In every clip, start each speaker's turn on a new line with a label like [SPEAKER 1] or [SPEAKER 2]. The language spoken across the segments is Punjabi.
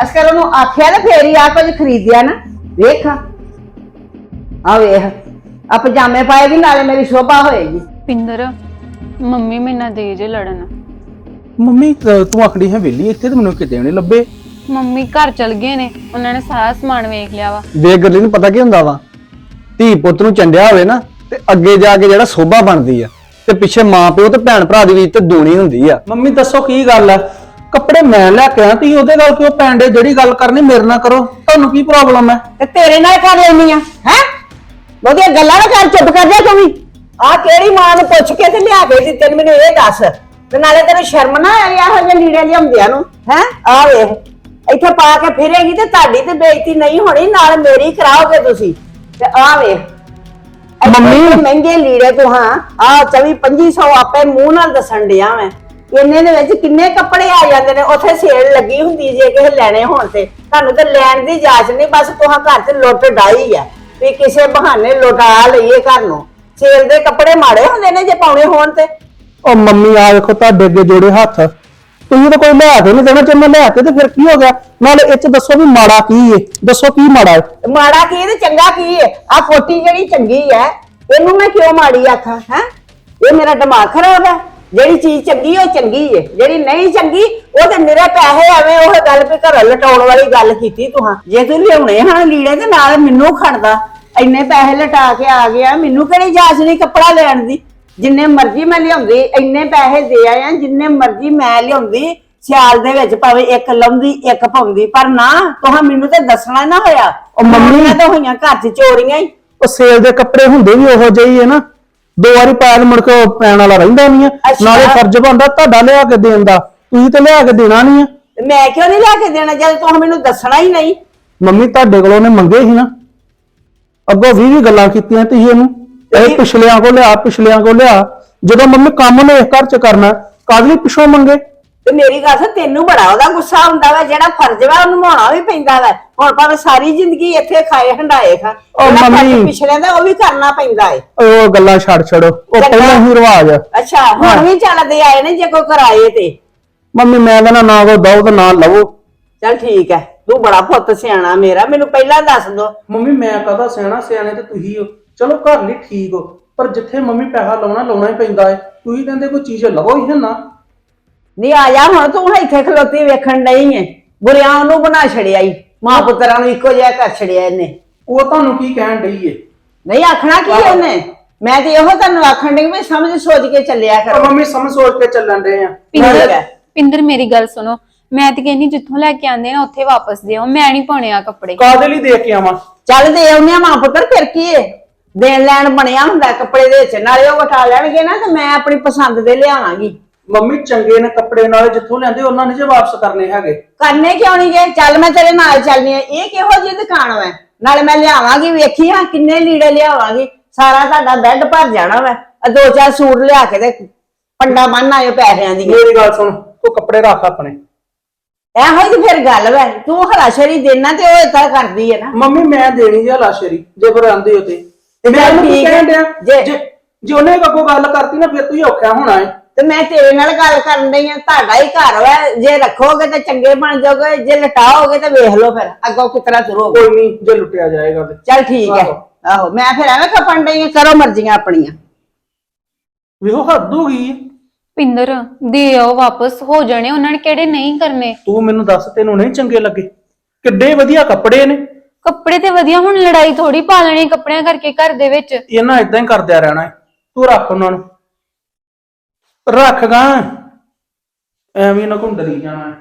[SPEAKER 1] ਅਸਕਰ ਉਹਨੂੰ ਆਖਿਆ ਤੇ ਫੇਰ ਹੀ ਆ ਕੁਝ ਖਰੀਦਿਆ ਨਾ। ਵੇਖ ਆ ਵੇਖ ਆ ਪਜਾਮੇ ਪਾਏਗੀ ਨਾਲੇ ਮੇਰੀ ਸ਼ੋਭਾ ਹੋਏਗੀ।
[SPEAKER 2] ਪਿੰਦਰ ਮੰਮੀ ਮੇਰੇ ਨਾਲ ਦੇ ਜੇ ਲੜਨ।
[SPEAKER 3] ਮੰਮੀ ਤੂੰ ਆਖੜੀ ਹੈ ਵੇਲੀ ਇੱਥੇ ਤੇ ਮੈਨੂੰ ਕਿਤੇ ਨਹੀਂ ਲੱਭੇ।
[SPEAKER 2] ਮੰਮੀ ਘਰ ਚਲ ਗਏ ਨੇ, ਉਹਨਾਂ ਨੇ ਸਾਰਾ ਸਮਾਨ ਵੇਖ ਲਿਆ ਵਾ।
[SPEAKER 4] ਵੇਖ ਗੱਲੀ ਨੂੰ ਪਤਾ ਕੀ ਹੁੰਦਾ ਵਾ, ਧੀ ਪੁੱਤ ਨੂੰ ਚੰਡਿਆ ਹੋਵੇ ਨਾ ਤੇ ਅੱਗੇ ਜਾ ਕੇ ਜਿਹੜਾ ਸੋਭਾ ਬਣਦੀ ਆ ਤੇ ਪਿੱਛੇ ਮਾਂ ਪਿਓ ਤੇ ਭੈਣ ਭਰਾ ਦੀ ਵੀ ਤੇ ਦੂਣੀ ਹੁੰਦੀ ਆ।
[SPEAKER 3] ਮੰਮੀ ਦੱਸੋ ਕੀ ਗੱਲ ਆ? ਕੱਪੜੇ ਮੈਂ ਲੈ ਕੇ ਆਇਆ ਤੀ ਉਹਦੇ ਨਾਲ ਕਿਉਂ ਪੈਂਦੇ? ਜਿਹੜੀ ਗੱਲ ਕਰਨੀ ਮੇਰੇ ਨਾਲ ਕਰੋ, ਤੁਹਾਨੂੰ ਕੀ ਪ੍ਰੋਬਲਮ ਹੈ?
[SPEAKER 1] ਤੇ ਤੇਰੇ ਨਾਲ ਕਰ ਲੈਣੀ ਆ ਹੈ? ਉਹਦੀਆਂ ਗੱਲਾਂ ਨਾ ਕਰ, ਚੁੱਪ ਕਰ ਜਾ ਤੂੰ ਵੀ। ਆ ਕਿਹੜੀ ਮਾਂ ਨੂੰ ਪੁੱਛ ਕੇ ਤੇ ਲਿਆ ਕੇ ਦਿੱਤੇ ਨੇ ਮੈਨੂੰ ਇਹ ਦੱਸ। ਤੇ ਨਾਲੇ ਤੈਨੂੰ ਸ਼ਰਮ ਨਾ ਆਈ ਇਹੋ ਜਿਹੇ ਲੀੜੇ ਲਿਆਉਂਦਿਆਂ ਨੂੰ ਹੈ? ਆ ਵੇਖ ਇੱਥੇ ਪਾ ਕੇ ਫਿਰੇਗੀ ਤੇ ਤੁਹਾਡੀ ਤੇ ਬੇਇੱਜ਼ਤੀ ਨਹੀਂ ਹੋਣੀ, ਨਾਲ ਮੇਰੀ ਕਰਾਓਗੇ ਤੁਸੀਂ। ਤੇ ਆ ਵੇਖ ਮੰਮੀ ਮਹਿੰਗੇ ਲੀੜੇ ਤੂੰ ਹਾਂ ਆ 24-2500 ਆਪੇ ਮੂੰਹ ਨਾਲ ਦੱਸਣ ਡਿਆ ਮੈਂ। ਇੰਨੇ ਦੇ ਵਿੱਚ ਕਿੰਨੇ ਕੱਪੜੇ ਆ ਜਾਂਦੇ ਨੇ। ਉੱਥੇ ਸੇਲ ਲੱਗੀ ਹੁੰਦੀ ਜੇ ਕਿਸੇ ਲੈਣੇ ਹੋਣ ਤੇ। ਤੁਹਾਨੂੰ ਤਾਂ ਲੈਣ ਦੀ ਜਾਚ ਨਹੀਂ, ਬਸ ਤੁਹਾਂ ਘਰ 'ਚ ਲੁੱਟ ਡਾਈ ਆ ਵੀ ਕਿਸੇ ਬਹਾਨੇ ਲੁਟਾ ਲਈਏ ਘਰ ਨੂੰ। ਸੇਲ ਦੇ ਕੱਪੜੇ ਮਾੜੇ ਹੁੰਦੇ ਨੇ ਜੇ ਪਾਉਣੇ ਹੋਣ ਤੇ।
[SPEAKER 3] ਉਹ ਮੰਮੀ ਆ ਵੇਖੋ ਤੁਹਾਡੇ ਅੱਗੇ ਜੋੜੇ ਹੱਥ, ਤੁਸੀਂ ਤਾਂ ਕੋਈ ਲਿਆ ਕੇ ਨਹੀਂ ਦੇਣਾ। ਜੇ ਮੈਂ ਲਿਆ ਕੇ ਤੇ ਫਿਰ ਕੀ ਹੋ ਗਿਆ? ਨਾਲੇ ਇਹ ਚ ਦੱਸੋ ਵੀ ਮਾੜਾ ਕੀ ਏ? ਦੱਸੋ ਕੀ ਮਾੜਾ ਹੈ?
[SPEAKER 1] ਮਾੜਾ ਕੀ ਤੇ ਚੰਗਾ ਕੀ ਹੈ? ਆ ਕੋਟੀ ਜਿਹੜੀ ਚੰਗੀ ਹੈ ਇਹਨੂੰ ਮੈਂ ਕਿਉਂ ਮਾੜੀ ਆਖਾਂ? ਹੈ ਇਹ ਮੇਰਾ ਦਿਮਾਗ ਖਰਾਬ ਹੈ? ਜਿਹੜੀ ਚੀਜ਼ ਚੰਗੀ ਉਹ ਚੰਗੀ ਹੈ, ਜਿਹੜੀ ਨਹੀਂ ਚੰਗੀ ਉਹ ਤੇ ਨਿਰੇ ਪੈਸੇ। ਐਵੇਂ ਉਹ ਗੱਲ ਵੀ ਘਰ ਲਟਾਉਣ ਵਾਲੀ ਗੱਲ ਕੀਤੀ ਤੂੰ। ਜੇ ਤੂੰ ਲਿਆਉਣੇ ਹਨ ਲੀੜੇ ਤੇ ਨਾਲ ਮੈਨੂੰ ਖੜਦਾ। ਇੰਨੇ ਪੈਸੇ ਲਟਾ ਕੇ ਆ ਗਿਆ, ਮੈਨੂੰ ਕਿਹੜੀ ਜਾਚ ਨਹੀਂ ਕੱਪੜਾ ਲੈਣ ਦੀ। ਜਿੰਨੇ ਮਰਜ਼ੀ ਮੈਂ ਲਿਆਉਂਦੀ, ਇੰਨੇ ਪੈਸੇ ਦੇ ਆਇਆ, ਜਿੰਨੇ ਮਰਜ਼ੀ ਮੈਂ ਲਿਆਉਂਦੀ ਸਿਆਲ ਦੇ ਵਿੱਚ ਭਾਵੇਂ ਇੱਕ ਲਾਉਂਦੀ ਇੱਕ ਪਾਉਂਦੀ, ਪਰ ਨਾ ਤੁਹਾਂ ਮੈਨੂੰ ਤੇ ਦੱਸਣਾ ਨਾ ਹੋਇਆ।
[SPEAKER 3] ਉਹ ਮੰਮੀ
[SPEAKER 1] ਤਾਂ ਹੋਈਆਂ ਘਰ 'ਚ ਚੋਰੀਆਂ ਹੀ।
[SPEAKER 3] ਉਹ ਸੇਲ ਦੇ ਕੱਪੜੇ ਹੁੰਦੇ ਵੀ ਉਹੋ ਜਿਹੇ ਹੀ ਹੈ ਨਾ, ਦੋ ਵਾਰੀ ਪਾਇਆ ਮੁੜ ਕੇ ਉਹ ਪੈਣ ਵਾਲਾ ਰਹਿੰਦਾ ਨਹੀਂ ਆ। ਨਾਲੇ ਫਰਜ਼ ਬਣਦਾ ਤੁਹਾਡਾ ਲਿਆ ਕੇ ਦੇਣ ਦਾ, ਤੁਸੀਂ ਤੇ ਲਿਆ ਕੇ ਦੇਣਾ ਨਹੀਂ ਆ।
[SPEAKER 1] ਮੈਂ ਕਿਉਂ ਨਹੀਂ ਲਿਆ ਕੇ ਦੇਣਾ ਜਦ ਤੁਹਾਂ ਮੈਨੂੰ ਦੱਸਣਾ ਹੀ ਨਹੀਂ?
[SPEAKER 3] ਮੰਮੀ ਤੁਹਾਡੇ ਕੋਲੋਂ ਉਹਨੇ ਮੰਗੇ ਸੀ ਨਾ, ਅੱਗੋਂ 20 ਗੱਲਾਂ ਕੀਤੀਆਂ ਤੁਸੀਂ ਇਹਨੂੰ, ਇਹ ਪਿਛਲਿਆਂ ਕੋ ਲਿਆ ਪਿਛਲਿਆਂ ਕੋ ਲਿਆ। ਜਦੋਂ ਮੰਮੀ ਕੰਮ ਨੇ ਇਸ ਘਰ 'ਚ ਕਰਨਾ ਕਾਹਦੇ ਲਈ ਪਿਛੋਂ ਮੰਗੇ?
[SPEAKER 1] ਤੇ ਮੇਰੀ ਗੱਲ ਸੁਣ, ਤੈਨੂੰ ਬੜਾ ਉਹਦਾ ਗੁੱਸਾ ਹੁੰਦਾ ਵਾ। ਜਿਹੜਾ ਫਰਜ਼ ਵਾ ਉਹਨੂੰ ਨਿਭਾਉਣਾ ਵੀ ਪੈਂਦਾ ਵਾ। ਹੁਣ ਭਾਵੇਂ ਸਾਰੀ ਜ਼ਿੰਦਗੀ ਇੱਥੇ ਖਾਏ ਹੰਡਾਏ ਖਾ,
[SPEAKER 3] ਉਹ ਮੰਮੀ
[SPEAKER 1] ਪਿਛਲੇ ਦਾ ਉਹ ਵੀ ਕਰਨਾ ਪੈਂਦਾ ਏ।
[SPEAKER 3] ਉਹ ਗੱਲਾਂ ਛੱਡ ਛੱਡੋ, ਉਹ ਪਹਿਲਾਂ ਹੀ ਰਿਵਾਜ ਆ।
[SPEAKER 1] ਅੱਛਾ ਹੁਣ ਵੀ ਚੱਲਦੇ ਆਏ ਨੇ ਜੇ ਕੋਈ ਕਰਾਏ ਤੇ।
[SPEAKER 3] ਮੰਮੀ ਮੈਂ ਕਹਿੰਦਾ ਨਾ ਕੋ ਦਓ ਤੇ ਨਾ ਲਵੋ।
[SPEAKER 1] ਚੱਲ ਠੀਕ ਹੈ, ਤੂੰ ਬੜਾ ਪੁੱਤ ਸਿਆਣਾ ਮੇਰਾ, ਮੈਨੂੰ ਪਹਿਲਾਂ ਦੱਸ ਦੋ।
[SPEAKER 3] ਮੰਮੀ ਮੈਂ ਕਹਦਾ ਸਿਆਣਾ, ਸਿਆਣੇ ਤੇ ਤੁਸੀਂ ਹੋ। ਚਲੋ ਘਰ ਲਈ ਠੀਕ ਹੋ, ਪਰ ਜਿੱਥੇ ਮੰਮੀ ਪੈਸਾ ਲਾਉਣਾ ਹੀ ਪੈਂਦਾ ਹੈ। ਤੁਸੀਂ ਕਹਿੰਦੇ ਕੋਈ ਚੀਜ਼ ਲਵੋ ਹੀ ਨਾ।
[SPEAKER 1] ਨਹੀਂ ਆ ਜਾ ਹੁਣ, ਤੂੰ ਇੱਥੇ ਖਲੋਤੀ ਵੇਖਣ ਨਹੀਂ ਏ। ਬੁਰਿਆਂ ਉਹਨੂੰ ਬਣਾ ਛੜਿਆ ਈ, ਮਾਂ ਪੁੱਤਰਾਂ ਨੂੰ ਇੱਕੋ ਜਿਹਾ ਕਰ ਛੜਿਆ ਇਹਨੇ।
[SPEAKER 3] ਉਹ ਤੁਹਾਨੂੰ ਕੀ ਕਹਿਣ ਡਈ ਏ?
[SPEAKER 1] ਨਹੀਂ ਆਖਣਾ ਕੀ ਉਹਨੇ? ਮੈਂ ਤੇ ਇਹੋ ਤੁਹਾਨੂੰ ਆਖਣ ਡਈ ਵੀ ਸਮਝ ਸੋਚ ਕੇ ਚੱਲਿਆ ਕਰੋ।
[SPEAKER 3] ਮੰਮੀ ਸਮਝ ਸੋਚ ਕੇ ਚੱਲਣ ਡਏ ਆ।
[SPEAKER 2] ਪਿੰਦਰ ਮੇਰੀ ਗੱਲ ਸੁਣੋ, ਮੈਂ ਤੇ ਕਹਿੰਦੀ ਜਿੱਥੋਂ ਲੈ ਕੇ ਆਂਦੇ ਨਾ ਉੱਥੇ ਵਾਪਸ ਦਿਓ। ਮੈਂ ਨਹੀਂ ਪਾਉਣੇ ਆ ਕੱਪੜੇ।
[SPEAKER 3] ਕਾਹਦੇ ਲਈ ਦੇ ਕੇ ਆਵਾਂ?
[SPEAKER 1] ਚੱਲ ਦੇ ਆਉਂਦੇ ਆ ਮਾਂ ਪੁੱਤਰ, ਫਿਰ ਕੀ ਏ? ਦੇਣ ਲੈਣ ਬਣਿਆ ਹੁੰਦਾ ਕੱਪੜੇ ਦੇ ਵਿੱਚ। ਨਾਲੇ ਉਹ ਵਟਾ ਲੈਣਗੇ ਨਾ ਤੇ ਮੈਂ ਆਪਣੀ ਪਸੰਦ ਦੇ ਲਿਆਵਾਂਗੀ।
[SPEAKER 3] ਮੰਮੀ ਚੰਗੇ ਨੇ ਕੱਪੜੇ, ਨਾਲੇ ਜਿੱਥੋਂ ਲੈਂਦੇ ਉਹਨਾਂ ਨੇ ਜੇ ਵਾਪਸ ਕਰਨੇ ਹੈਗੇ।
[SPEAKER 1] ਕਰਨੇ ਕਿਉਂ ਨਹੀਂ ਗਏ? ਚੱਲ ਮੈਂ ਤੇਰੇ ਨਾਲ ਚੱਲਨੀ ਆ। ਇਹ ਕਿਹੋ ਜਿਹੀ ਦੁਕਾਨ ਵਾ? ਨਾਲੇ ਮੈਂ ਲਿਆਵਾਂਗੀ, ਵੇਖੀ ਹਾਂ ਕਿੰਨੇ ਲੀੜੇ ਲਿਆਵਾਂਗੀ। ਸਾਰਾ ਤੁਹਾਡਾ ਬੈੱਡ ਭਰ ਜਾਣਾ ਵਾ। 2-4 ਸੂਟ ਲਿਆ ਕੇ ਤੇ ਪੰਡਾ ਬੰਨ ਆਇਓ ਪੈਸਿਆਂ ਦੀ।
[SPEAKER 3] ਮੇਰੀ ਗੱਲ ਸੁਣ, ਤੂੰ ਕੱਪੜੇ ਰੱਖ ਆਪਣੇ।
[SPEAKER 1] ਇਹੋ ਹੀ ਤੇ ਫਿਰ ਗੱਲ ਵਾ। ਤੂੰ ਹਰਾਸ਼ਰੀ ਦੇਣਾ ਤੇ ਉਹ ਏਦਾਂ ਕਰਦੀ ਹੈ ਨਾ।
[SPEAKER 3] ਮੰਮੀ ਮੈਂ ਦੇਣੀ ਜੇ ਲਾਸ਼ਰੀ ਜੇ ਫਿਰ ਆਂਦੇ ਹੋ ਤੇ ਮੈਂ
[SPEAKER 1] ਠੀਕ
[SPEAKER 3] ਕਹਿਣ ਡਿਆ,
[SPEAKER 1] ਜੇ
[SPEAKER 3] ਜੇ ਉਹਨੇ ਅੱਗੋਂ ਗੱਲ ਕਰਤੀ ਨਾ ਫਿਰ ਤੁਸੀਂ ਔਖਾ ਹੋਣਾ ਹੈ।
[SPEAKER 1] ਤੇ ਮੈਂ ਤੇਰੇ ਨਾਲ ਗੱਲ ਕਰਨ ਡਈ ਆ। ਤੁਹਾਡਾ ਹੀ ਘਰ ਵਾ, ਜੇ ਰੱਖੋਗੇ ਤੇ ਚੰਗੇ ਬਣ ਜਾਓਗੇ, ਜੇ ਲਟਾਓਗੇ ਤੇ ਵੇਖ ਲਓ ਫਿਰ ਅੱਗੋਂ ਕਿਤਨਾ ਤੁਰੋਗੇ।
[SPEAKER 3] ਕੋਈ ਨਹੀਂ, ਜੇ ਲੁੱਟਿਆ ਜਾਏਗਾ ਤੇ
[SPEAKER 1] ਚੱਲ ਠੀਕ ਹੈ। ਆਹੋ ਮੈਂ ਫਿਰ ਐਵੇਂ ਖਪਣ ਡਈ ਆ। ਕਰੋ ਮਰਜ਼ੀਆਂ ਆਪਣੀਆਂ।
[SPEAKER 3] ਵੇਖੋ ਹੱਦ ਹੋ ਗਈ।
[SPEAKER 2] ਪਿੰਦਰ ਦੇ ਆਓ ਵਾਪਸ, ਹੋ ਜਾਣੇ ਉਹਨਾਂ ਨੇ ਕਿਹੜੇ ਨਹੀਂ ਕਰਨੇ।
[SPEAKER 3] ਤੂੰ ਮੈਨੂੰ ਦੱਸ, ਤੈਨੂੰ ਨਹੀਂ ਚੰਗੇ ਲੱਗੇ? ਕਿੱਡੇ ਵਧੀਆ ਕੱਪੜੇ ਨੇ।
[SPEAKER 2] ਕੱਪੜੇ ਤੇ ਵਧੀਆ, ਹੁਣ ਲੜਾਈ ਥੋੜੀ ਪਾ ਲੈਣੀ ਕੱਪੜਿਆਂ ਕਰਕੇ ਘਰ ਦੇ ਵਿੱਚ।
[SPEAKER 3] ਇਹਨਾਂ ਇਦਾਂ ਹੀ ਕਰਦਿਆ ਰਹਿਣਾ ਹੈ। ਤੂੰ ਰੱਖ ਉਹਨਾਂ ਨੂੰ, ਰੱਖ ਗਾ, ਐਵੇਂ ਨਾ ਘੁੰਡਲੀ ਜਾਣਾ।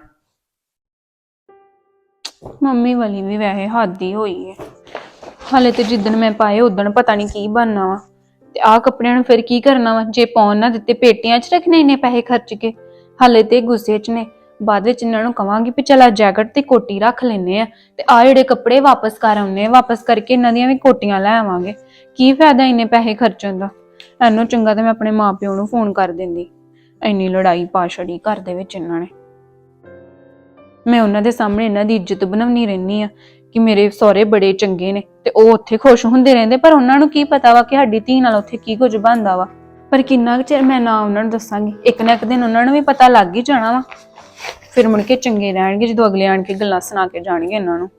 [SPEAKER 2] ਮੰਮੀ ਵਾਲੀ ਵੀ ਵੈਸੇ ਹੱਦ ਹੀ ਹੋਈ ਹੈ। ਹਾਲੇ ਤੇ ਜਿੱਦਣ ਮੈਂ ਪਾਏ ਉਦਣ ਪਤਾ ਨਹੀਂ ਕੀ ਬਣਨਾ ਵਾ। ਤੇ ਆਹ ਕੱਪੜਿਆਂ ਨੂੰ ਫਿਰ ਕੀ ਕਰਨਾ ਵਾ? ਜੇ ਪਾਉਣ ਨਾ ਦਿੱਤੇ ਪੇਟੀਆਂ 'ਚ ਰੱਖਣੇ ਇੰਨੇ ਪੈਸੇ ਖਰਚ ਕੇ। ਹਾਲੇ ਤੇ ਗੁੱਸੇ 'ਚ ਨੇ। ਬਾਅਦ ਵਿੱਚ ਇਹਨਾਂ ਨੂੰ ਕਵਾਂਗੀ ਵੀ ਚਲ ਆ ਜੈਕਟ ਤੇ ਕੋਟੀ ਰੱਖ ਲੈਨੇ ਆ ਤੇ ਆ ਜਿਹੜੇ ਕੱਪੜੇ ਵਾਪਸ ਕਰ ਆਉਨੇ ਆ। ਵਾਪਸ ਕਰਕੇ ਇਹਨਾਂ ਦੀਆਂ ਵੀ ਕੋਟੀਆਂ ਲੈ ਆਵਾਂਗੇ। ਕੀ ਫਾਇਦਾ ਇੰਨੇ ਪੈਸੇ ਖਰਚਣ ਦਾ? ਇਹਨੂੰ ਚੰਗਾ ਤੇ ਮੈਂ ਆਪਣੇ ਮਾਪਿਓ ਨੂੰ ਫੋਨ ਕਰ ਦਿੰਦੀ। ਇੰਨੀ ਲੜਾਈ ਪਾ ਛੜੀ ਘਰ ਦੇ ਵਿੱਚ ਇਹਨਾਂ ਨੇ। ਮੈਂ ਉਹਨਾਂ ਦੇ ਸਾਹਮਣੇ ਇਹਨਾਂ ਦੀ ਇੱਜ਼ਤ ਬਣਾਉਣੀ ਰਹਿੰਦੀ ਆ ਕਿ ਮੇਰੇ ਸਹੁਰੇ ਬੜੇ ਚੰਗੇ ਨੇ ਤੇ ਉਹ ਉੱਥੇ ਖੁਸ਼ ਹੁੰਦੇ ਰਹਿੰਦੇ। ਪਰ ਉਹਨਾਂ ਨੂੰ ਕੀ ਪਤਾ ਵਾ ਕਿ ਸਾਡੀ ਧੀ ਨਾਲ ਉੱਥੇ ਕੀ ਕੁਝ ਬਣਦਾ ਵਾ। ਪਰ ਕਿੰਨਾ ਕੁ ਚਿਰ ਮੈਂ ਨਾ ਉਹਨਾਂ ਨੂੰ ਦੱਸਾਂਗੀ? ਇੱਕ ਨਾ ਇੱਕ ਦਿਨ ਉਹਨਾਂ ਨੂੰ ਵੀ ਪਤਾ ਲੱਗ ਹੀ ਜਾਣਾ ਵਾ। ਫਿਰ ਮੁੜ ਕੇ ਚੰਗੇ ਰਹਿਣਗੇ ਜਦੋਂ ਅਗਲੇ ਆਣ ਕੇ ਗੱਲਾਂ ਸੁਣਾ ਕੇ ਜਾਣਗੇ ਇਹਨਾਂ ਨੂੰ।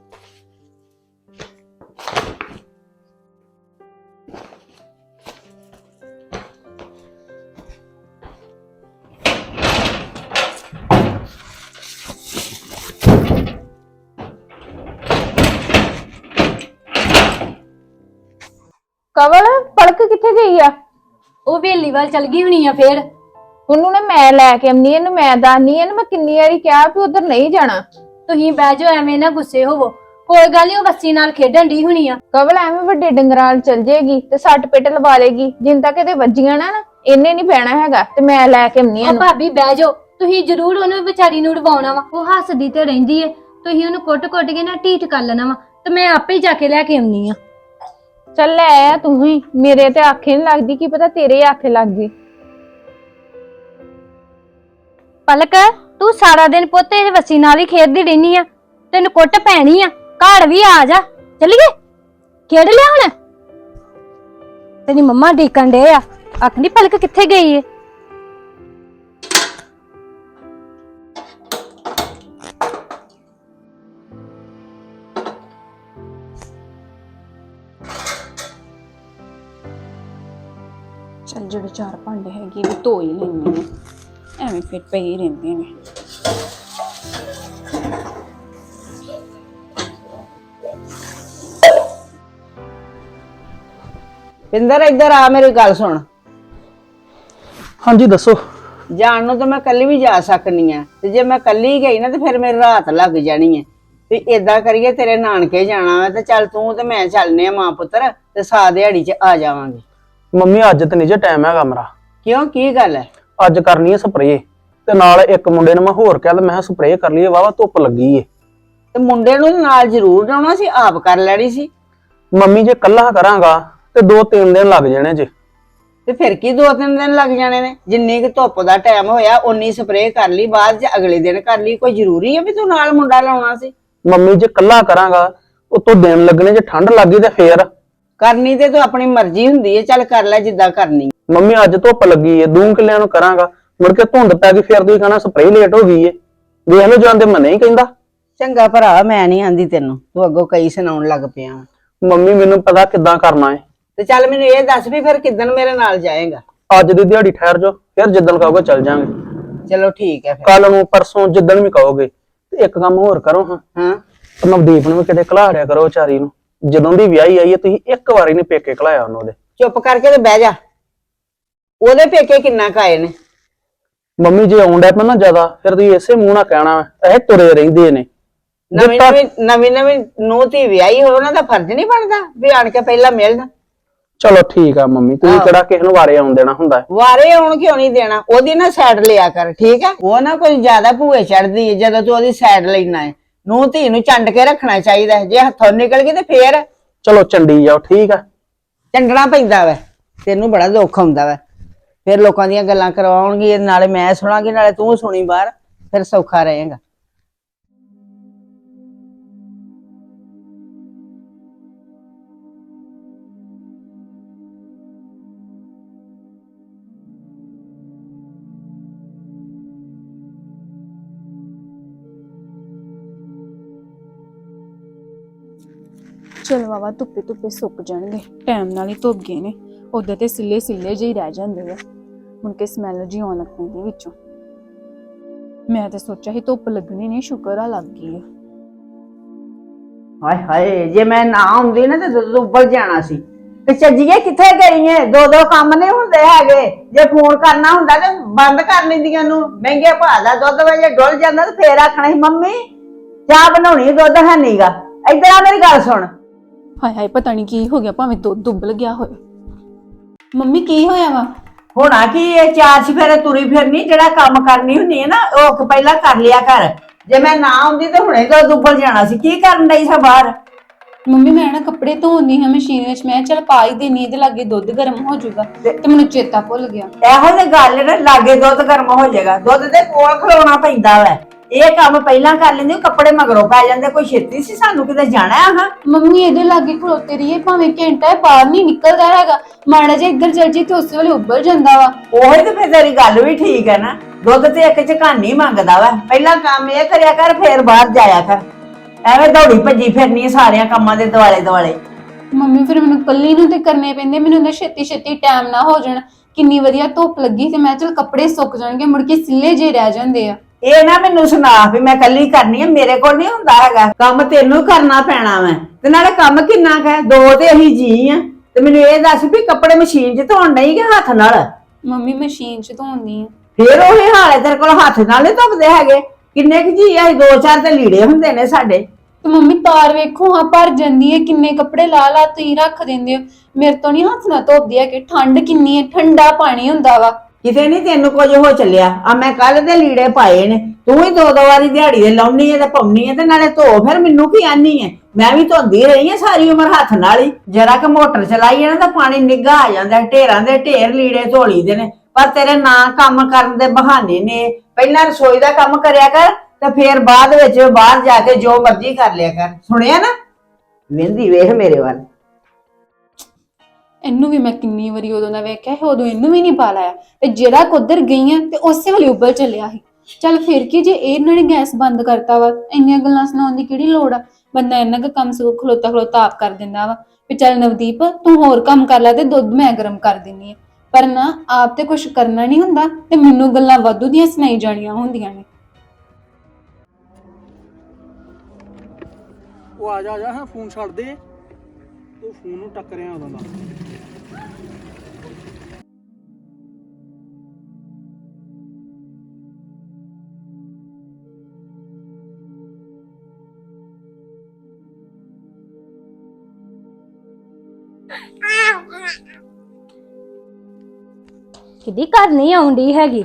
[SPEAKER 5] ਕਵਲ ਪਲਕ ਕਿੱਥੇ ਗਈ ਆ?
[SPEAKER 6] ਉਹ ਵੇਲੀ ਵੱਲ ਚਲ ਗਈ ਹੋਣੀ ਆ ਫੇਰ।
[SPEAKER 5] ਉਹਨੂੰ ਨਾ ਮੈਂ ਲੈ ਕੇ ਆਉਣੀ, ਇਹਨੂੰ ਮੈਂ ਦੱਸਣੀ, ਇਹਨੂੰ ਮੈਂ ਕਿੰਨੀ ਵਾਰੀ ਕਿਹਾ ਵੀ ਉਧਰ ਨਹੀਂ ਜਾਣਾ।
[SPEAKER 6] ਤੁਸੀਂ ਬਹਿ ਜਾਓ, ਐਵੇਂ ਨਾ ਗੁੱਸੇ ਹੋਵੋ, ਕੋਈ ਗੱਲ ਨਹੀਂ, ਉਹ ਵੱਸੀ ਨਾਲ ਖੇਡਣ ਦੀ ਹੋਣੀ ਆ।
[SPEAKER 5] ਕਵਲ ਐਵੇਂ ਵੱਡੇ ਡੰਗਰਾਂ ਚਲ ਜੇਗੀ ਤੇ ਸੱਟ ਪਿੱਟ ਲਵਾ ਲੇਗੀ, ਜਿੰਨ ਤੱਕ ਇਹਦੇ ਵੱਜੀਆਂ ਨਾ ਇਹਨੇ ਨਹੀਂ ਬਹਿਣਾ ਹੈਗਾ, ਤੇ ਮੈਂ ਲੈ ਕੇ ਆਉਣੀ
[SPEAKER 6] ਉਹ
[SPEAKER 5] ਇਹਨੂੰ।
[SPEAKER 6] ਭਾਬੀ ਬਹਿ ਜਾਓ, ਤੁਸੀਂ ਜ਼ਰੂਰ ਉਹਨੂੰ ਵਿਚਾਰੀ ਨੂੰ ਉਡਵਾਉਣਾ ਵਾ, ਉਹ ਹੱਸਦੀ ਤੇ ਰਹਿੰਦੀ ਏ, ਤੁਸੀਂ ਉਹਨੂੰ ਕੁੱਟ-ਕੁੱਟ ਕੇ ਨਾ ਢੀਠ ਕਰ ਲੈਣਾ ਵਾ, ਤੇ ਮੈਂ ਆਪੇ ਹੀ ਜਾ ਕੇ ਲੈ ਕੇ ਆਉਣੀ ਆ।
[SPEAKER 5] ਚੱਲ ਲੈ ਆ ਤੂੰ ਹੀ, ਮੇਰੇ ਤੇ ਆਖੇ ਨਹੀਂ ਲੱਗਦੀ, ਕੀ ਪਤਾ ਤੇਰੇ ਆਖੇ ਲੱਗ ਗਈ।
[SPEAKER 6] ਪਲਕ, ਤੂੰ ਸਾਰਾ ਦਿਨ ਪੁੱਤ ਇਹ ਵੱਸੀ ਨਾਲ ਹੀ ਖੇਡਦੀ ਰਹਿਨੀ ਆ, ਤੈਨੂੰ ਕੁੱਟ ਪੈਣੀ ਆ, ਘਰ ਵੀ ਆ ਜਾ, ਚੱਲੀਏ ਖੇਡ ਲਿਆ ਹੁਣ। ਤੇਰੀ ਮੰਮਾ ਡੀਕਣ ਡੇ ਆ, ਆਖਣੀ ਪਲਕ ਕਿੱਥੇ ਗਈ ਏ।
[SPEAKER 2] ਚੱਲ ਜਿਹੜੇ 4 ਭਾਂਡੇ ਹੈਗੇ ਵੀ ਧੋ ਹੀ ਲੈਣੇ ਨੇ, ਐਵੇਂ ਫਿਰ ਪਏ ਹੀ ਰਹਿੰਦੇ ਨੇ।
[SPEAKER 1] ਪਿੰਦਰ ਇੱਧਰ ਆ, ਮੇਰੀ ਗੱਲ ਸੁਣ।
[SPEAKER 3] ਹਾਂਜੀ ਦੱਸੋ।
[SPEAKER 1] ਜਾਣ ਨੂੰ ਤਾਂ ਮੈਂ ਕੱਲੀ ਵੀ ਜਾ ਸਕਨੀ ਆ, ਤੇ ਜੇ ਮੈਂ ਕੱਲੀ ਗਈ ਨਾ ਤੇ ਫਿਰ ਮੇਰੀ ਰਾਤ ਲੱਗ ਜਾਣੀ ਹੈ। ਤੇ ਏਦਾਂ ਕਰੀਏ, ਤੇਰੇ ਨਾਨਕੇ ਜਾਣਾ ਵਾ ਤੇ ਚੱਲ ਤੂੰ ਤੇ ਮੈਂ ਚੱਲਨੇ ਆ ਮਾਂ ਪੁੱਤਰ, ਤੇ ਸਾ ਦਿਹਾੜੀ 'ਚ ਆ ਜਾਵਾਂਗੇ।
[SPEAKER 3] ਮੰਮੀ ਅੱਜ ਤੇ ਨਹੀਂ ਜੇ ਟਾਈਮ ਹੈਗਾ ਮੇਰਾ।
[SPEAKER 1] ਕਿਉਂ, ਕੀ ਗੱਲ ਹੈ?
[SPEAKER 3] ਅੱਜ ਕਰਨੀ ਹੈ ਸਪਰੇਅ, ਤੇ ਨਾਲ ਇੱਕ ਮੁੰਡੇ ਨੂੰ ਮੈਂ ਹੋਰ ਕਿਹਾ, ਮੈਂ ਸਪਰੇਅ ਕਰ ਲਈਏ, ਵਾਵਾ ਧੁੱਪ ਲੱਗੀ ਏ।
[SPEAKER 1] ਤੇ ਮੁੰਡੇ ਨੂੰ ਨਾਲ ਜ਼ਰੂਰ ਜਾਣਾ ਸੀ, ਆਪ ਕਰ ਲੈਣੀ ਸੀ।
[SPEAKER 3] ਮੰਮੀ ਜੇ ਕੱਲਾ ਕਰਾਂਗਾ ਤੇ 2-3 ਦਿਨ ਲੱਗ ਜਾਣੇ ਜੇ।
[SPEAKER 1] ਤੇ ਫਿਰ ਕੀ 2-3 ਦਿਨ ਲੱਗ ਜਾਣੇ ਨੇ? ਜਿੰਨੀ ਕੁ ਧੁੱਪ ਦਾ ਟਾਈਮ ਹੋਇਆ ਓਨੀ ਸਪਰੇਅ ਕਰ ਲਈ, ਬਾਅਦ 'ਚ ਅਗਲੇ ਦਿਨ ਕਰ ਲਈ। ਕੋਈ ਜ਼ਰੂਰੀ ਹੈ ਵੀ ਤੂੰ ਨਾਲ ਮੁੰਡਾ ਲਾਉਣਾ ਸੀ?
[SPEAKER 3] ਮੰਮੀ ਜੇ ਕੱਲਾ ਕਰਾਂਗਾ ਉਤੋਂ ਦਿਨ ਲੱਗਣੇ, ਜੇ ਠੰਡ ਲੱਗੀ ਤੇ ਫੇਰ।
[SPEAKER 1] ਕਰਨੀ ਤੇ ਤੂੰ ਆਪਣੀ ਮਰਜ਼ੀ ਹੁੰਦੀ ਹੈ, ਚੱਲ ਕਰ ਲੈ ਜਿੱਦਾਂ ਕਰਨੀ।
[SPEAKER 3] ਮੰਮੀ ਅੱਜ ਧੁੱਪ ਲੱਗੀ ਏ, 2 ਕਿੱਲਿਆਂ ਨੂੰ ਕਰਾਂਗਾ, ਮੁੜ ਕੇ ਧੁੰਦ ਪੈ ਗਈ, ਫਿਰ ਤੁਸੀਂ ਕਹਣਾ ਸਪਰੇਅ ਲੇਟ ਹੋ ਗਈ ਏ। ਵੇਖ ਲਓ ਜਾਂਦੇ ਮੈਂ ਨਹੀਂ ਕਹਿੰਦਾ।
[SPEAKER 1] ਚੰਗਾ ਭਰਾ, ਮੈਂ ਨਹੀਂ ਆਂਦੀ ਤੈਨੂੰ, ਤੂੰ ਅੱਗੋਂ ਕਈ ਸੁਣਾਉਣ ਲੱਗ ਪਿਆ।
[SPEAKER 3] ਮੰਮੀ ਮੈਨੂੰ ਪਤਾ ਕਿੱਦਾਂ ਕਰਨਾ ਏ।
[SPEAKER 1] ਤੇ ਚੱਲ ਮੈਨੂੰ ਇਹ ਦੱਸ ਵੀ ਫਿਰ ਕਿੱਦਣ ਮੇਰੇ ਨਾਲ ਜਾਏਗਾ?
[SPEAKER 3] ਅੱਜ ਦੀ ਦਿਹਾੜੀ ਠਹਿਰ ਜਾਓ, ਫਿਰ ਜਿੱਦਣ ਕਹੋਗੇ ਚੱਲ ਜਾਾਂਗੇ।
[SPEAKER 1] ਚਲੋ ਠੀਕ ਹੈ ਫਿਰ।
[SPEAKER 3] ਕੱਲ ਨੂੰ, ਪਰਸੋਂ, ਜਿੱਦਣ ਵੀ ਕਹੋਗੇ। ਤੇ ਇੱਕ ਕੰਮ ਹੋਰ ਕਰੋ ਹਾਂ,
[SPEAKER 1] ਹਾਂ,
[SPEAKER 3] ਨਵਦੀਪ ਨੂੰ ਵੀ ਕਿਤੇ ਘਲਾੜਿਆ ਕਰੋ ਵਿਚਾਰੀ ਨੂੰ। ਜਦੋਂ ਦੀ ਵਿਆਹੀ ਆਈ ਹੈ ਤੁਸੀਂ ਇੱਕ ਵਾਰੀ ਨਹੀਂ ਪੇਕੇ ਘਲਾਇਆ ਉਹਨੂੰ। ਉਹਦੇ
[SPEAKER 1] ਚੁੱਪ ਕਰਕੇ ਤੇ ਬਹਿ ਜਾ। ਉਹਦੇ ਪੇਕੇ ਕਿੰਨਾ ਕਾਏ ਨੇ?
[SPEAKER 3] ਮੰਮੀ ਜੇ ਆਉਂਦਾ ਪਾ ਨਾ ਜ਼ਿਆਦਾ, ਫਿਰ ਤੁਸੀਂ ਇਸੇ ਮੂੰਹ ਨਾਲ ਕਹਿਣਾ ਇਹ ਤੁਰੇ ਰਹਿੰਦੇ ਨੇ।
[SPEAKER 1] ਨਵੀਂ ਨੂੰਹ ਧੀ ਵਿਆਹੀ ਹੋਵੇ, ਉਹਨਾਂ ਦਾ ਫਰਜ਼ ਨਹੀਂ ਬਣਦਾ ਵੀ ਆਣ ਕੇ ਪਹਿਲਾਂ ਮਿਲਣ?
[SPEAKER 3] ਚਲੋ ਠੀਕ ਆ ਮੰਮੀ, ਤੁਸੀਂ ਕਿਹੜਾ ਕਿਸੇ ਨੂੰ ਵਾਰੇ ਆਉਣ ਦੇਣਾ ਹੁੰਦਾ?
[SPEAKER 1] ਵਾਰੇ ਆਉਣ ਕਿਉਂ ਨਹੀਂ ਦੇਣਾ? ਉਹਦੀ ਨਾ ਸਾਈਡ ਲਿਆ ਕਰ, ਠੀਕ ਹੈ? ਉਹ ਨਾ ਕੋਈ ਜ਼ਿਆਦਾ ਭੂਏ ਚੜਦੀ ਹੈ ਜਦੋਂ ਤੂੰ ਉਹਦੀ ਸਾਈਡ ਲੈਣਾ ਹੈ। ਨੂੰਹ ਧੀ ਨੂੰ ਚੰਡ ਕੇ ਰੱਖਣਾ ਚਾਹੀਦਾ, ਜੇ ਹੱਥੋਂ ਨਿਕਲ ਗਈ ਤੇ ਫੇਰ
[SPEAKER 3] ਚਲੋ ਚੰਡੀ ਜਾਓ, ਠੀਕ ਆ।
[SPEAKER 1] ਚੰਡਣਾ ਪੈਂਦਾ ਵਾ, ਤੈਨੂੰ ਬੜਾ ਦੁੱਖ ਹੁੰਦਾ ਵਾ। ਫਿਰ ਲੋਕਾਂ ਦੀਆਂ ਗੱਲਾਂ ਕਰਵਾਉਣਗੀ, ਨਾਲੇ ਮੈਂ ਸੁਣਾਂਗੀ ਨਾਲੇ ਤੂੰ ਸੁਣੀ ਬਾਹਰ, ਫਿਰ ਸੌਖਾ ਰਹੇਗਾ।
[SPEAKER 2] ਚਲੋ ਵਾਵਾ ਧੁੱਪੇ ਧੁੱਪੇ ਸੁੱਕ ਜਾਣਗੇ, ਟਾਈਮ ਨਾਲ ਹੀ ਧੁੱਪ ਗਏ ਨੇ। ਉਧਰ ਤੇ ਸਿੱਲੇ ਸਿੱਲੇ ਜਿਹੀ ਰਹਿ ਜਾਂਦੇ ਆ, ਹੁਣ ਕੇ ਸਮੈਲ ਜੀ ਆਉਣ ਲੱਗ ਪੈਂਦੀ ਵਿੱਚੋਂ। ਮੈਂ ਤੇ ਸੋਚਿਆ ਸੀ ਧੁੱਪ ਲੱਗਣੀ ਨਹੀਂ, ਸ਼ੁਕਰ ਆ ਲੱਗ ਗਈ ਆ।
[SPEAKER 1] ਹਾਏ ਹਾਏ, ਜੇ ਮੈਂ ਨਾ ਆਉਂਦੀ ਨਾ ਤੇ ਦੁੱਧ ਉੱਬਲ ਜਾਣਾ ਸੀ। ਤੇ ਚੱਜੀਏ ਕਿੱਥੇ ਗਈ ਏ? 2-2 ਕੰਮ ਨਹੀਂ ਹੁੰਦੇ ਹੈਗੇ। ਜੇ ਫੋਨ ਕਰਨਾ ਹੁੰਦਾ ਤੇ ਬੰਦ ਕਰ ਲੈਂਦੀਆਂ ਨੂੰ। ਮਹਿੰਗੇ ਭਾਅ ਦਾ ਦੁੱਧ ਵੇ ਡੁੱਲ ਜਾਂਦਾ ਤੇ ਫੇਰ ਆਖਣਾ ਸੀ ਮੰਮੀ ਚਾਹ ਬਣਾਉਣੀ, ਦੁੱਧ ਹੈ ਨੀਗਾ। ਇੱਧਰ ਆ ਮੇਰੀ ਗੱਲ ਸੁਣ।
[SPEAKER 2] ਹਾਏ ਹਾਏ, ਪਤਾ ਨਹੀਂ ਕੀ ਹੋ ਗਿਆ, ਭਾਵੇਂ ਦੁੱਧ ਉੱਬਲ ਗਿਆ ਹੋਏ। ਮੰਮੀ ਕੀ ਹੋਇਆ ਵਾ?
[SPEAKER 1] ਹੋਣਾ ਕੀ, ਇਹ 4 ਚਫੇਰੇ ਤੁਰੀ ਫਿਰਨੀ, ਜਿਹੜਾ ਕੰਮ ਕਰਨੀ ਹੁੰਦੀ ਹੈ ਨਾ ਉਹ ਪਹਿਲਾਂ ਕਰ ਲਿਆ ਕਰ। ਜੇ ਮੈਂ ਨਾ ਆਉਂਦੀ ਤੇ ਹੁਣੇ ਦੁੱਧ ਉੱਬਲ ਜਾਣਾ ਸੀ। ਕੀ ਕਰਨ ਡਈ ਸਾ ਬਾਹਰ?
[SPEAKER 2] ਮੰਮੀ ਮੈਂ ਨਾ ਕੱਪੜੇ ਧੋਣੀ ਹਾਂ ਮਸ਼ੀਨ ਵਿੱਚ, ਮੈਂ ਚੱਲ ਪਾ ਹੀ ਦੇਣੀ, ਇਹਦੇ ਲਾਗੇ ਦੁੱਧ ਗਰਮ ਹੋ ਜਾਊਗਾ, ਤੇ ਮੈਨੂੰ ਚੇਤਾ ਭੁੱਲ ਗਿਆ।
[SPEAKER 1] ਇਹੋ ਜਿਹੀ ਗੱਲ ਨਾ, ਲਾਗੇ ਦੁੱਧ ਗਰਮ ਹੋ ਜਾਏਗਾ। ਦੁੱਧ ਦੇ ਕੋਲ ਖਲੋਣਾ ਪੈਂਦਾ ਵਾ। ਇਹ ਕੰਮ ਪਹਿਲਾਂ ਕਰ ਲੈਂਦੇ, ਕੱਪੜੇ ਮਗਰੋਂ ਪੈ ਜਾਂਦੇ। ਕੋਈ ਛੇਤੀ ਸੀ ਸਾਨੂੰ ਕਿਤੇ ਜਾਣਾ ਆ?
[SPEAKER 2] ਮੰਮੀ ਇਹਦੇ ਲਾਗੇ ਖਲੋਤੇ ਰਹੀਏ ਭਾਵੇਂ ਘੰਟਾ, ਬਾਹਰ ਨਹੀਂ ਨਿਕਲਦਾ ਹੈਗਾ। ਮਾੜਾ ਜਿਹਾ ਇੱਧਰ ਚੱਲ ਜੀ ਤੇ ਉਸੇ ਵੇਲੇ ਉੱਬਲ ਜਾਂਦਾ ਵਾ।
[SPEAKER 1] ਉਹੀ ਤੇ ਫਿਰ ਤੇਰੀ ਗੱਲ ਵੀ ਠੀਕ ਹੈ ਨਾ, ਦੁੱਧ ਤੇ ਇੱਕ ਝਕਾਨੀ ਮੰਗਦਾ ਵਾ, ਪਹਿਲਾਂ ਕੰਮ ਇਹ ਕਰਿਆ ਕਰ ਫੇਰ ਬਾਹਰ ਜਾਇਆ ਕਰ। ਐਵੇਂ ਦੌੜੀ ਭੱਜੀ ਫਿਰਨੀ ਆ ਸਾਰਿਆਂ ਕੰਮਾਂ ਦੇ ਦੁਆਲੇ ਦੁਆਲੇ।
[SPEAKER 2] ਮੰਮੀ ਫਿਰ ਮੈਨੂੰ ਕੱਲੀ ਨੂੰ ਤੇ ਕਰਨੇ ਪੈਂਦੇ, ਮੈਨੂੰ ਤਾਂ ਛੇਤੀ ਛੇਤੀ ਟਾਈਮ ਨਾ ਹੋ ਜਾਣ। ਕਿੰਨੀ ਵਧੀਆ ਧੁੱਪ ਲੱਗੀ ਤੇ ਮੈਂ ਚਲ ਕੱਪੜੇ ਸੁੱਕ ਜਾਣਗੇ, ਮੁੜ ਕੇ ਸਿੱਲੇ ਜੇ ਰਹਿ ਜਾਂਦੇ ਆ।
[SPEAKER 1] ਇਹ ਨਾ ਮੈਨੂੰ ਸੁਣਾ ਵੀ ਮੈਂ ਕੱਲੀ ਕਰਨੀ ਆ, ਮੇਰੇ ਕੋਲ ਨਹੀਂ ਹੁੰਦਾ ਹੈਗਾ ਕੰਮ, ਤੈਨੂੰ ਕਰਨਾ ਪੈਣਾ ਵਾ। ਤੇ ਨਾਲੇ ਕੰਮ ਕਿੰਨਾ ਕੁ ਹੈ, ਦੋ ਤੇ ਅਸੀਂ ਜੀ ਆ। ਤੇ ਮੈਨੂੰ ਇਹ ਦੱਸ ਵੀ ਕੱਪੜੇ ਮਸ਼ੀਨ 'ਚ ਧੋਣ ਨਹੀਂ ਕਿ ਹੱਥ ਨਾਲ?
[SPEAKER 2] ਮੰਮੀ ਮਸ਼ੀਨ 'ਚ ਧੋਂਦੀ ਆ।
[SPEAKER 1] ਫੇਰ ਉਹੀ ਹਾਲ ਹੈ, ਤੇਰੇ ਕੋਲ ਹੱਥ ਨਾਲ ਨਹੀਂ ਧੁੱਪਦੇ ਹੈਗੇ। ਕਿੰਨੇ ਕੁ ਜੀ ਆ, ਦੋ ਚਾਰ ਤੇ ਲੀੜੇ ਹੁੰਦੇ ਨੇ ਸਾਡੇ।
[SPEAKER 2] ਤੇ ਮੰਮੀ ਤਾਰ ਵੇਖੋ ਹਾਂ ਭਰ ਜਾਂਦੀ ਹੈ, ਕਿੰਨੇ ਕੱਪੜੇ ਲਾ ਲਾ ਤੁਸੀਂ ਰੱਖ ਦਿੰਦੇ ਹੋ। ਮੇਰੇ ਤੋਂ ਨਹੀਂ ਹੱਥ ਨਾਲ ਧੋਪਦੀ ਹੈ ਕਿ ਠੰਡ ਕਿੰਨੀ ਹੈ, ਠੰਡਾ ਪਾਣੀ ਹੁੰਦਾ ਵਾ।
[SPEAKER 1] ਕਿਤੇ ਨਹੀਂ ਤੈਨੂੰ ਕੁਝ ਹੋ ਚੱਲਿਆ। ਆ ਮੈਂ ਕੱਲ ਦੇ ਲੀੜੇ ਪਾਏ ਨੇ, ਤੂੰ ਹੀ ਦੋ ਵਾਰੀ ਦਿਹਾੜੀ ਦੇ ਲਾਉਣੀ ਹੈ ਤੇ ਪਾਉਣੀ ਹੈ, ਤੇ ਨਾਲੇ ਧੋ। ਫਿਰ ਮੈਨੂੰ ਕੀ ਆਨੀ ਹੈ? ਮੈਂ ਵੀ ਧੋਂਦੀ ਰਹੀ ਹਾਂ ਸਾਰੀ ਉਮਰ ਹੱਥ ਨਾਲ ਹੀ। ਜਰਾ ਕਿ ਮੋਟਰ ਚਲਾਈ ਹੈ ਨਾ ਤਾਂ ਪਾਣੀ ਨਿੱਘਾ ਆ ਜਾਂਦਾ, ਢੇਰਾਂ ਦੇ ਢੇਰ ਲੀੜੇ ਧੋਲੀ ਦੇ ਨੇ। ਪਰ ਤੇਰੇ ਨਾ ਕੰਮ ਕਰਨ ਦੇ ਬਹਾਨੇ ਨੇ। ਪਹਿਲਾਂ ਰਸੋਈ ਦਾ ਕੰਮ ਕਰਿਆ ਕਰ ਤੇ ਫੇਰ ਬਾਅਦ ਵਿੱਚ ਬਾਹਰ ਜਾ ਕੇ ਜੋ ਮਰਜ਼ੀ ਕਰ ਲਿਆ ਕਰ। ਸੁਣਿਆ ਨਾ? ਵਹਿੰਦੀ ਵੇਖ ਮੇਰੇ ਵੱਲ।
[SPEAKER 2] ਇਹਨੂੰ ਵੀ ਮੈਂ ਕਿੰਨੀ ਵਾਰੀ ਉਦੋਂ ਦਾ ਵੇਖਿਆ ਹੈ, ਉਦੋਂ ਇਹਨੂੰ ਵੀ ਨਹੀਂ ਪਾ ਲਾਇਆ। ਤੇ ਜਿਹੜਾ ਕੁੱਧਰ ਗਈ ਆ ਤੇ ਉਸੇ ਵੇਲੇ ਉੱਪਰ ਚੱਲਿਆ ਸੀ। ਚੱਲ ਫਿਰ ਕੀ ਜੇ ਇਹਨਾਂ ਨੇ ਗੈਸ ਬੰਦ ਕਰਤਾ ਵਾ, ਇੰਨੀਆਂ ਗੱਲਾਂ ਸੁਣਾਉਣ ਦੀ ਕਿਹੜੀ ਲੋੜ ਆ? ਬੰਦਾ ਇੰਨਾ ਕੁ ਕੰਮ ਸਗੋਂ ਖਲੋਤਾ ਖਲੋਤਾ ਆਪ ਕਰ ਦਿੰਦਾ ਵਾ ਵੀ ਚੱਲ ਨਵਦੀਪ ਤੂੰ ਹੋਰ ਕੰਮ ਕਰ ਲੈ ਤੇ ਦੁੱਧ ਮੈਂ ਗਰਮ ਕਰ ਦਿੰਨੀ ਆ। ਪਰ ਨਾ, ਆਪ ਤੇ ਕੁਝ ਕਰਨਾ ਨਹੀਂ ਹੁੰਦਾ ਤੇ ਮੈਨੂੰ ਗੱਲਾਂ ਵਾਧੂ ਦੀਆਂ ਸੁਣਾਈ ਜਾਣੀਆਂ ਹੁੰਦੀਆਂ ਨੇ।
[SPEAKER 3] ਉਹ ਆ ਜਾ ਹਾਂ, ਫੋਨ ਛੱਡ ਦੇ, ਤੂੰ ਫੋਨ ਨੂੰ ਟੱਕਰਿਆ ਉਦੋਂ ਦਾ।
[SPEAKER 6] ਕਿਦੀ ਘਰ ਨਹੀਂ ਆਉਂਦੀ ਹੈਗੀ।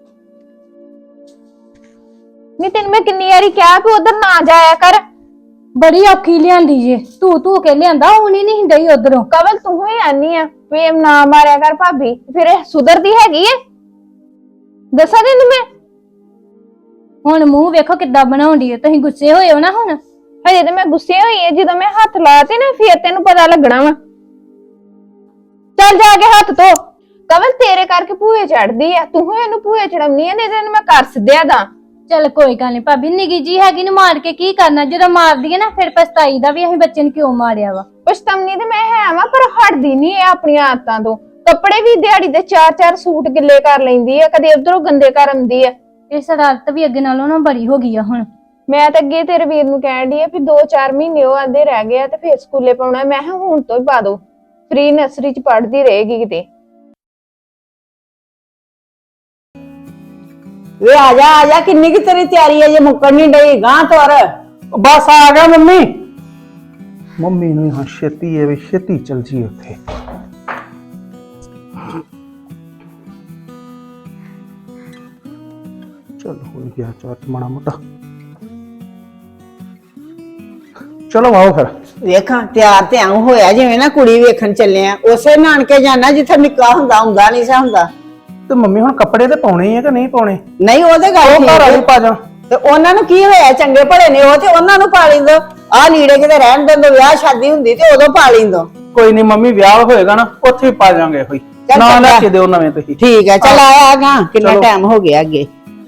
[SPEAKER 5] ਨਹੀਂ ਤੈਨੂੰ ਮੈਂ ਕਿੰਨੀ ਵਾਰੀ ਕਿਹਾ ਵੀ ਉਧਰ ਨਾ ਜਾਇਆ ਕਰ।
[SPEAKER 6] ਬੜੀ ਔਖੀ ਲਿਆਂਦੀ ਜੇ, ਤੂੰ ਕੇ ਲਿਆਂਦਾ, ਹੁਣੀ ਨਹੀਂ ਡਈ ਉਧਰੋਂ।
[SPEAKER 5] ਕਵਲ ਤੂੰ ਹੀ ਆਨੀ ਆ ਵੀ ਨਾ ਮਾਰਿਆ ਕਰ ਭਾਬੀ, ਫਿਰ ਇਹ ਸੁਧਰਦੀ ਹੈਗੀ ਏ? ਦੱਸਾਂ ਤੈਨੂੰ ਮੈਂ?
[SPEAKER 6] ਹੁਣ ਮੂੰਹ ਵੇਖੋ ਕਿੱਦਾਂ ਬਣਾਉਂਦੀ ਹੈ। ਤੁਸੀਂ ਗੁੱਸੇ ਹੋਏ ਹੋ ਨਾ ਹੁਣ?
[SPEAKER 5] ਹਜੇ ਤੇ ਮੈਂ ਗੁੱਸੇ ਹੋਈ ਏ, ਜਦੋਂ ਮੈਂ ਹੱਥ ਲਾਤੇ ਨਾ ਫਿਰ ਤੈਨੂੰ ਪਤਾ ਲੱਗਣਾ ਵਾ। ਚੱਲ ਜਾ ਕੇ ਹੱਥ ਧੋ। ਕਵਲ ਤੇਰੇ ਕਰਕੇ ਭੂਏ ਚੜਦੀ ਆ, ਤੂੰ ਹੀ ਇਹਨੂੰ ਭੂਏ ਚੜਾਉਣੀ ਆ, ਨਹੀਂ ਤੈਨੂੰ ਮੈਂ ਕਰ ਸਿੱਧਿਆ ਦਾ।
[SPEAKER 6] ਚੱਲ ਕੋਈ ਗੱਲ ਨਹੀਂ ਭਾਬੀ, ਨਿੱਗੀ ਜੀ ਹੈਗੀ ਨੂੰ ਮਾਰ ਕੇ ਕੀ ਕਰਨਾ? ਜਦੋਂ ਮਾਰਦੀ ਹੈ ਨਾ ਫਿਰ ਪਛਤਾਈ ਦਾ ਵੀ ਅਸੀਂ ਬੱਚੇ ਨੂੰ ਕਿਉਂ ਮਾਰਿਆ ਵਾ।
[SPEAKER 5] ਪਛਤਾਉਣੀ ਤੇ ਮੈਂ ਹੈ ਵਾ, ਪਰ ਹਟਦੀ ਨਹੀਂ ਇਹ ਆਪਣੀਆਂ ਆਦਤਾਂ ਤੋਂ। ਕੱਪੜੇ ਵੀ ਦਿਹਾੜੀ ਦੇ 4-4 ਸੂਟ ਗਿੱਲੇ ਕਰ ਲੈਂਦੀ ਆ, ਕਦੇ ਉਧਰੋਂ ਗੰਦੇ ਕਰ ਆਉਂਦੀ ਆ।
[SPEAKER 6] ਇਹ ਸ਼ਰਾਰਤ ਵੀ ਅੱਗੇ ਨਾਲੋਂ ਨਾ ਬੜੀ ਹੋ ਗਈ ਆ ਹੁਣ।
[SPEAKER 5] ਮੈਂ ਤਾਂ ਅੱਗੇ ਤੇਰੇ ਵੀਰ ਨੂੰ ਕਹਿਣ ਡਈ ਆ ਵੀ 2-4 ਮਹੀਨੇ ਉਹ ਆਂਦੇ ਰਹਿ ਗਏ ਆ ਤੇ ਫੇਰ ਸਕੂਲੇ ਪਾਉਣਾ। ਮੈਂ ਕਿਹਾ ਹੁਣ ਤੋਂ ਹੀ ਪਾ ਦੋ, ਫ੍ਰੀ ਨਰਸਰੀ ਚ ਪੜ੍ਹਦੀ ਰਹੇਗੀ ਕਿਤੇ।
[SPEAKER 1] ਵੇ ਆ ਜਾ, ਕਿੰਨੀ ਕੀ ਤੇਰੀ ਤਿਆਰੀ ਹੈ ਜੇ ਮੁੱਕਣ ਨਹੀਂ ਡਈ? ਗਾਂ ਤੁਰ।
[SPEAKER 3] ਬਸ ਆ ਗਿਆ ਮੰਮੀ। ਮੰਮੀ ਨੂੰ ਹਾਂ ਛੇਤੀ ਹੈ ਵੀ ਛੇਤੀ ਚਲ ਜੀ ਉੱਥੇ। ਚਲ ਹੋ ਗਿਆ ਚਾਟ ਮਾੜਾ ਮੋਟਾ। ਚਲੋ ਆਓ ਫਿਰ।
[SPEAKER 1] ਵੇਖਾਂ ਤਿਆਰ ਤੇ ਆਉਂ ਹੋਇਆ ਜਿਵੇਂ ਨਾ ਕੁੜੀ ਵੇਖਣ ਚੱਲੇ ਆ। ਉਸੇ ਨਾਨਕੇ ਜਾਣਾ ਜਿੱਥੇ ਨਿੱਕਾ ਹੁੰਦਾ ਨਹੀਂ ਸਾ ਹੁੰਦਾ।
[SPEAKER 3] ਤੇ ਮੰਮੀ ਹੁਣ ਕੱਪੜੇ ਤੇ ਪਾਉਣੇ ਆ ਕਿ ਨਹੀਂ ਪਾਉਣੇ?
[SPEAKER 1] ਨਹੀਂ ਉਹਦੇ ਗੱਲ
[SPEAKER 3] ਉਹ ਘਰ ਵਾਲੀ ਪਾ ਜਾ।
[SPEAKER 1] ਤੇ ਉਹਨਾਂ ਨੂੰ ਕੀ ਹੋਇਆ? ਚੰਗੇ ਭਲੇ ਨੇ ਉਹ, ਤੇ ਉਹਨਾਂ ਨੂੰ ਪਾ ਲਿੰਦੋ। ਆਹ ਲੀੜੇ ਕਿਤੇ ਰਹਿਣ ਦਿੰਦੋ, ਵਿਆਹ ਸ਼ਾਦੀ ਹੁੰਦੀ ਤੇ ਉਦੋਂ ਪਾ ਲਿੰਦੋ।
[SPEAKER 3] ਕੋਈ ਨਹੀਂ ਮੰਮੀ, ਵਿਆਹ ਹੋਏਗਾ ਨਾ ਉੱਥੇ ਹੀ ਪਾ ਜਾਾਂਗੇ। ਹੋਈ ਨਾ ਲੈ ਕੇ ਦਿਓ ਨਵੇਂ ਤੁਸੀਂ।
[SPEAKER 1] ਠੀਕ ਹੈ, ਚਲ ਆਇਆ ਗਾ। ਕਿੰਨਾ ਟਾਈਮ ਹੋ ਗਿਆ ਅੱਗੇ।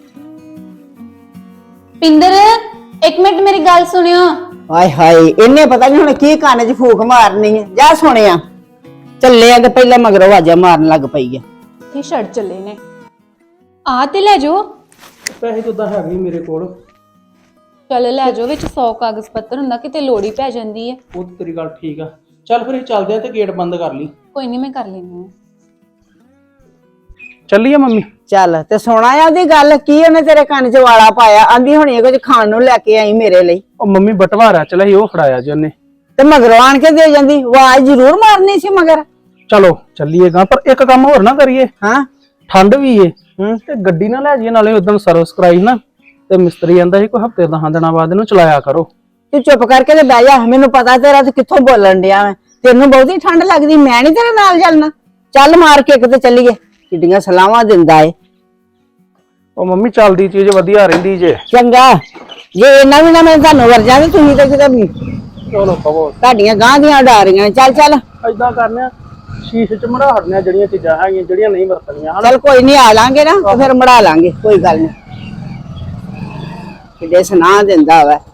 [SPEAKER 2] ਪਿੰਦਰ ਇੱਕ ਮਿੰਟ ਮੇਰੀ ਗੱਲ ਸੁਣਿਓ।
[SPEAKER 1] ਹਾਏ ਹਾਏ, ਇਹਨੇ ਪਤਾ ਨਹੀਂ ਹੁਣ ਕੀ ਕੰਨ 'ਚ ਫੂਕ ਮਾਰਨੀ ਹੈ। ਜਾ ਸੁਣਿਆ ਚੱਲੇ ਆ ਤੇ ਪਹਿਲਾਂ ਮਗਰੋਂ ਆਵਾਜ਼ਾਂ ਮਾਰਨ ਲੱਗ ਪਈ ਆ।
[SPEAKER 2] ਇਹ ਛੱਡ ਚੱਲੇ ਨੇ, ਆ ਤੇ ਲੈ ਜਾਓ।
[SPEAKER 3] ਪੈਸੇ ਤਾਂ ਹੈਗੇ ਮੇਰੇ ਕੋਲ।
[SPEAKER 2] ਚੱਲ ਲੈ ਜਾਓ, ਵਿੱਚ 100 ਕਾਗਜ਼ ਪੱਤਰ ਹੁੰਦਾ, ਕਿਤੇ ਲੋੜ ਹੀ ਪੈ ਜਾਂਦੀ ਹੈ।
[SPEAKER 3] ਉਹ ਤੇਰੀ ਗੱਲ ਠੀਕ ਆ। ਚੱਲ ਫਿਰ ਇਹ ਚੱਲਦੇ ਆ ਤੇ ਗੇਟ ਬੰਦ ਕਰ ਲਈ।
[SPEAKER 2] ਕੋਈ ਨਹੀਂ, ਮੈਂ ਕਰ ਲੈਂਦੀ ਹਾਂ।
[SPEAKER 3] ਚੱਲੀਏ ਮੰਮੀ?
[SPEAKER 1] ਚੱਲ ਤੇ ਸੁਣਾ ਆ ਉਹਦੀ ਗੱਲ। ਕੀ ਉਹਨੇ ਤੇਰੇ ਕੰਨ 'ਚ ਵਾਲਾ ਪਾਇਆ? ਆਂਦੀ ਹੋਣੀ ਕੁਝ ਖਾਣ ਨੂੰ ਲੈ ਕੇ ਆਈ ਮੇਰੇ ਲਈ।
[SPEAKER 3] ਉਹ ਮੰਮੀ ਬਟਵਾਰਾ ਚਲਾ ਸੀ, ਉਹ ਫੜਾਇਆ ਜੀ ਉਹਨੇ।
[SPEAKER 1] ਤੇ ਮਗਰੋਂ ਆਣ ਕੇ ਦੇ ਜਾਂਦੀ, ਆਵਾਜ਼ ਜ਼ਰੂਰ ਮਾਰਨੀ ਸੀ ਮਗਰ।
[SPEAKER 3] ਚਲੋ ਚੱਲੀਏਗਾ, ਪਰ ਇੱਕ ਕੰਮ ਹੋਰ ਨਾ ਕਰੀਏ।
[SPEAKER 1] ਹਾਂ,
[SPEAKER 3] ਠੰਡ ਵੀ ਏ ਤੇ ਗੱਡੀ ਨਾ ਲੈ ਜਾਈਏ। ਨਾਲੇ ਉਦੋਂ ਸਰਵਿਸ ਕਰਾਈ ਨਾ ਤੇ ਮਿਸਤਰੀ ਕਹਿੰਦਾ ਸੀ ਕੋਈ ਹਫਤੇ 10 ਦਿਨਾਂ ਬਾਅਦ ਇਹਨੂੰ ਚਲਾਇਆ ਕਰੋ।
[SPEAKER 1] ਤੂੰ ਚੁੱਪ ਕਰਕੇ ਤੇ ਬਹਿ ਜਾ। ਮੈਨੂੰ ਪਤਾ ਤੇਰਾ ਤੇ ਕਿੱਥੋਂ ਬੋਲਣ ਡਿਆ ਮੈਂ। ਤੈਨੂੰ ਬਹੁਤੀ ਠੰਡ ਲੱਗਦੀ, ਮੈਂ ਨਹੀਂ ਤੇਰੇ ਨਾਲ ਚੱਲਣਾ। ਚੱਲ ਮਾਰ ਕੇ ਕਿਤੇ ਚੱਲੀਏ। ਕਿੱਡੀਆਂ ਸਲਾਹਾਂ ਦਿੰਦਾ ਏ।
[SPEAKER 3] ਉਹ ਮੰਮੀ ਚੱਲਦੀ ਚੀਜ਼ ਵਧੀਆ ਰਹਿੰਦੀ ਜੇ।
[SPEAKER 1] ਚੰਗਾ, ਜੇ ਇਹਨਾਂ ਵੀ ਨਾ ਮੈਂ ਤੁਹਾਨੂੰ ਵਰਜਾਂ ਤੇ ਤੁਸੀਂ ਤਾਂ ਕਿਤੇ
[SPEAKER 3] ਚਲੋ ਕਹੋ
[SPEAKER 1] ਤੁਹਾਡੀਆਂ ਗਾਂ ਦੀਆਂ ਉਡਾਰੀਆਂ। ਚੱਲ ਚੱਲ।
[SPEAKER 3] ਏਦਾਂ ਕਰਨੇ ਆ, ਸ਼ੀਸ਼ੇ ਚ ਮੜਾ ਹਟਣੀਆਂ ਜਿਹੜੀਆਂ ਚੀਜ਼ਾਂ ਹੈਗੀਆਂ ਜਿਹੜੀਆਂ ਨਹੀਂ ਵਰਤਣੀਆਂ ਹਨਾ
[SPEAKER 1] ਚਲ ਕੋਈ ਨਹੀਂ ਆ ਲਾਂਗੇ ਨਾ ਤੇ ਫਿਰ ਮੜਾ ਲਾਂਗੇ ਕੋਈ ਗੱਲ ਨਹੀਂ ਕਿਤੇ ਸੁਣਾ ਦਿੰਦਾ ਵਾ